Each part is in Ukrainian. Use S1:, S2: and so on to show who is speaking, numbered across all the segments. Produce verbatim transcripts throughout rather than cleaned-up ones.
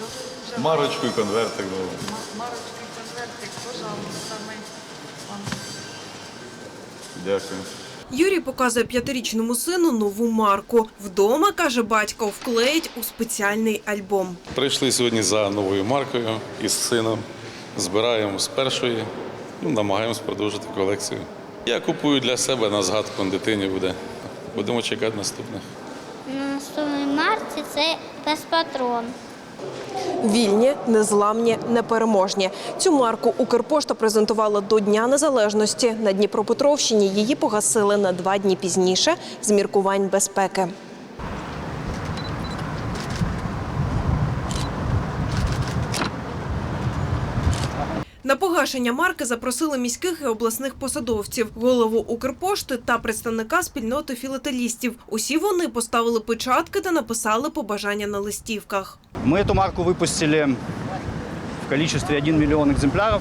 S1: Марочку і конвертик.
S2: Марочку і конвертик, пожалуйста, ми вам.
S1: Дякую.
S3: Юрій показує п'ятирічному сину нову марку. Вдома, каже батько, вклеїть у спеціальний альбом.
S1: Прийшли сьогодні за новою маркою із сином. Збираємо з першої, ну, намагаємось продовжити колекцію. Я купую для себе на згадку, дитині буде. Будемо чекати наступних.
S4: На наступній марці це безпатрон.
S3: Вільні, незламні, непереможні. Цю марку Укрпошта презентувала до Дня Незалежності. На Дніпропетровщині її погасили на два дні пізніше з міркувань безпеки. На погашення марки запросили міських і обласних посадовців, голову Укрпошти та представника спільноти філателістів. Усі вони поставили печатки та написали побажання на листівках.
S5: Мы эту марку выпустили в количестве один миллион экземпляров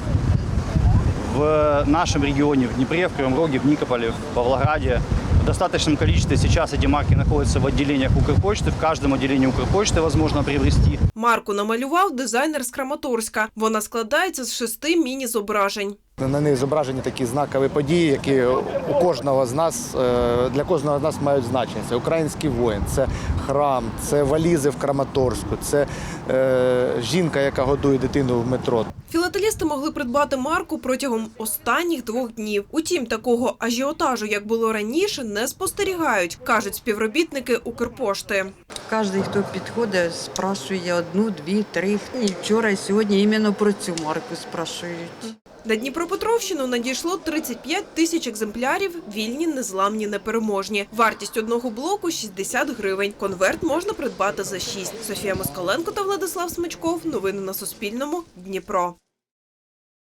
S5: в нашем регионе, в Днепре, в Кривом Роге, в Никополе, в Павлограде. В достаточном количестве сейчас эти марки находятся в отделениях Укрпочты. В каждом отделении Укрпочты возможно приобрести.
S3: Марку намалював дизайнер з Краматорська. Вона складається з шести міні-зображень.
S6: На них зображені такі знакові події, які у кожного з нас, для кожного з нас мають значення. Це український воїн, це храм, це валізи в Краматорську, це е, жінка, яка годує дитину в метро.
S3: Філателісти могли придбати марку протягом останніх двох днів. Утім, такого ажіотажу, як було раніше, не спостерігають, кажуть співробітники Укрпошти.
S2: Кожен, хто підходить, спрашує одну, дві, три. І вчора, і сьогодні іменно про цю марку спрашують.
S3: На Дніпропетровщину надійшло тридцять п'ять тисяч екземплярів, вільні, незламні, непереможні. Вартість одного блоку – шістдесят гривень. Конверт можна придбати за шість. Софія Москаленко та Владислав Смичков. Новини на Суспільному. Дніпро.